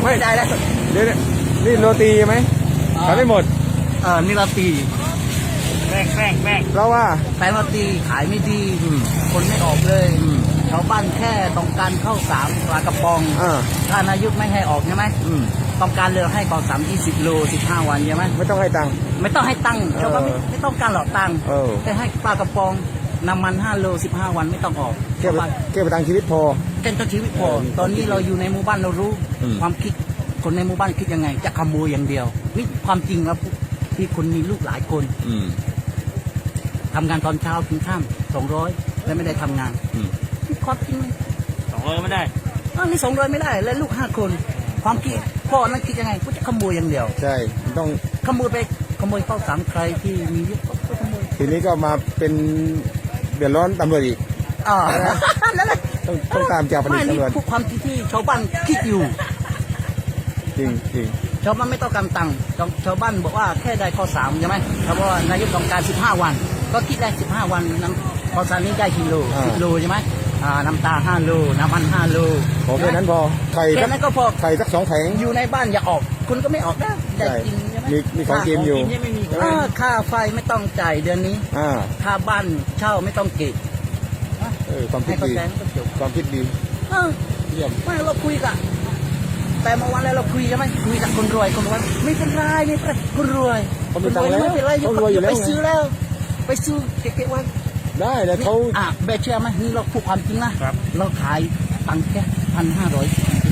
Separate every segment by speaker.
Speaker 1: ไม่
Speaker 2: ได้แล้ว
Speaker 1: เดี๋ยวนี่โรตีไหมขายไม่หมด
Speaker 2: นี่โรตี
Speaker 3: แป้ง
Speaker 1: เพราะว่า
Speaker 2: แป้งโรตีขายไม่ดีคนไม่ออกเลยชาวบ้านแค่ต้องการข้าวสารปลากระป๋องถ้านายกไม่ให้ออกใช่ไหมต้องการเลยให้ข้าวสาร20 โล15 วันใช่ไหม
Speaker 1: ไม่ต้องให้ตังค์
Speaker 2: ไม่ต้องให้ตังค์ชาวบ้านไม่ต้องการหลอกตังค์แต่ให้ปลากระป๋องน้ำมัน5 โล15 วันไม่ต้องออก
Speaker 1: แค่ประทังชีวิตพอ
Speaker 2: แค่ต้องชีวิตพอตอนนี้เราอยู่ในหมู่บ้านเรารู้ความคิดคนในหมู่บ้านคิดยังไงจะขโมยอย่างเดียวนี่ความจริงครับที่คนมีลูกหลายคนทำงานตอนเช้าถึงค่ำ200แล้วไม่ได้ทำงานนี่ความจริง
Speaker 3: 200ไม่ได้
Speaker 2: นี่200ไม่ได้แล้วลูก5 คนความคิดพ่อนั้นคิดยังไงก็จะขโมยอย่างเดียว
Speaker 1: ใช่ต้อง
Speaker 2: ขโมยไปขโมยข้าวสารใครที่มีเยอะก็ขโมย
Speaker 1: ทีนี้ก็มาเป็นเดือดร้อนตำรวจอีก
Speaker 2: นั่นแหละ
Speaker 1: ต้องตามจับตำรวจ
Speaker 2: ไม่นี่ความคิดที่ชาวบ้านคิดอยู่
Speaker 1: จริง
Speaker 2: ชาวบ้านไม่ต้องการตังค์ชาวบ้านบอกว่าแค่ได้ข้อ3ใช่ไหมเพราะว่านายกต้องการ15 วันก็คิดได้15 วันน้ำข้อ3นี้ได้กิโล10 โลใช่ไหมน้ำตา5 โลน้ำมัน5 โล
Speaker 1: พอแค่นั้นพอไข่
Speaker 2: แค่นั้นก็พอ
Speaker 1: ไข่สัก2 แผง
Speaker 2: อยู่ในบ้านอย่าออกคุณก็ไม่ออกได้กินใช่ไหม
Speaker 1: มีของกินอยู่
Speaker 2: ค่าไฟไม่ต้องจ่ายเดือนนี้ค่าบ้านเช่าไม่ต้องเก็บ
Speaker 1: ความคิดดีความคิดดี
Speaker 2: เยี่ยมไม่เราคุยกันแต่เมื่อวานแล้วเราคุยใช่ไหมคุยกับคนรวยไม่เป็นไรคนรวย
Speaker 1: คนรวย
Speaker 2: ไม่เป็นไรไปซื้อแล้วไปซื้อเก็บไว้
Speaker 1: ได้แล้วเขา
Speaker 2: แบเชื่อไหมนี่เราพูดความจริงนะเราขายตังค์แค่1,500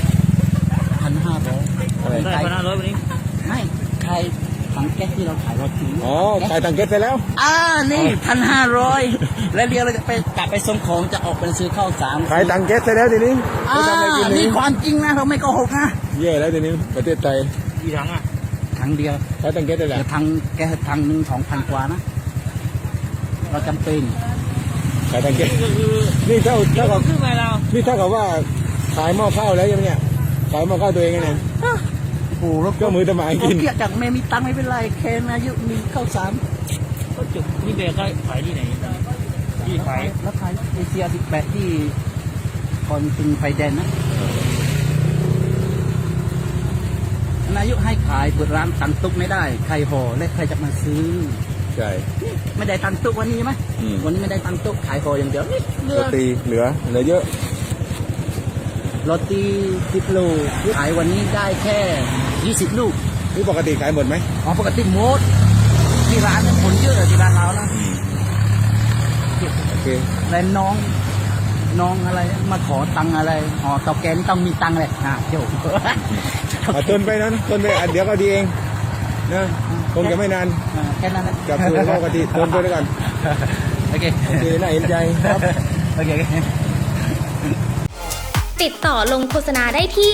Speaker 3: ได้1,500วันนี้
Speaker 2: ไม่ขายถังแก๊สที่เราขายเราถือ
Speaker 1: ขายถังแก๊สไปแล้ว
Speaker 2: นี่1,500แล้วเดี๋ยวเราจะไปกลับไปส่งของจะออกไปซื้อข้าวสาร
Speaker 1: ขายถังแก๊สไปแล้วทีนี้
Speaker 2: นี่ความจริงนะเราไม่โกหกนะ
Speaker 1: เย่แล้วทีนี้ประเทศไทย
Speaker 3: กี่ถัง
Speaker 2: ถังเดียว
Speaker 1: ขายถังแก๊สได้แล้ว
Speaker 2: ถังแก๊สถังนึง2,000 กว่านะเราจำเป็น
Speaker 1: ขายถังแก๊สนี่เท่ากับ
Speaker 3: ขึ้นไปแล้ว
Speaker 1: นี่เท่ากับว่าขายหม้อข้าวแล้วยังเนี่ยขายหม้อข้าวตัวเองไง
Speaker 2: โอ้รถ
Speaker 1: ก็มือทำไมกิน
Speaker 2: เกี่ยจากไม่มีตังค์ไม่เป็นไรแค่อายุมีข้าวสาร
Speaker 3: ก็จุดนี่เบลก็ขายที่ไหนที่ขาย
Speaker 2: แล้วขายเอเชีย18ที่ก่อนถึงไฟแดงนะนายกให้ขายเปิดร้านตังตุกไม่ได้ใครห่อและใครจะมาซื้อ
Speaker 1: ใช่
Speaker 2: ไม่ได้ตังตุกวันนี้ไหมวันนี้ไม่ได้ตังตุกขายห่ออย่างเดียวนี่
Speaker 1: เหลือเยอะ
Speaker 2: โรตี10 โลขายวันนี้ได้แค่20 ลูก
Speaker 1: นี่ปกติขายหมดไหม
Speaker 2: ปกติหมดที่ร้านคนเยอะที่ร้านเรานะ
Speaker 1: โอเค
Speaker 2: แล้วน้องอะไรมาขอตังอะไรตอกแกนต้องมีตังเลยเจ้า
Speaker 1: ทนไปนั้นทนไปเดี๋ยวก็ดีเองนะคงจะไม่นาน
Speaker 2: แค่นั้น
Speaker 1: กับตัวปกติทนไปด้วยกัน
Speaker 2: โอเค
Speaker 1: น่าเห็นใจครับ
Speaker 2: โอเค
Speaker 4: ติดต่อลงโฆษณาได้ที่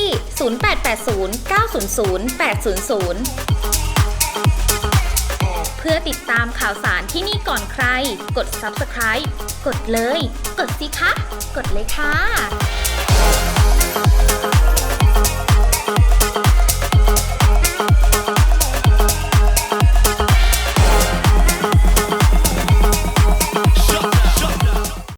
Speaker 4: 0880 900 800 เพื่อติดตามข่าวสารที่นี่ก่อนใคร กด Subscribe กดเลย กดสิคะ กดเลยค่ะ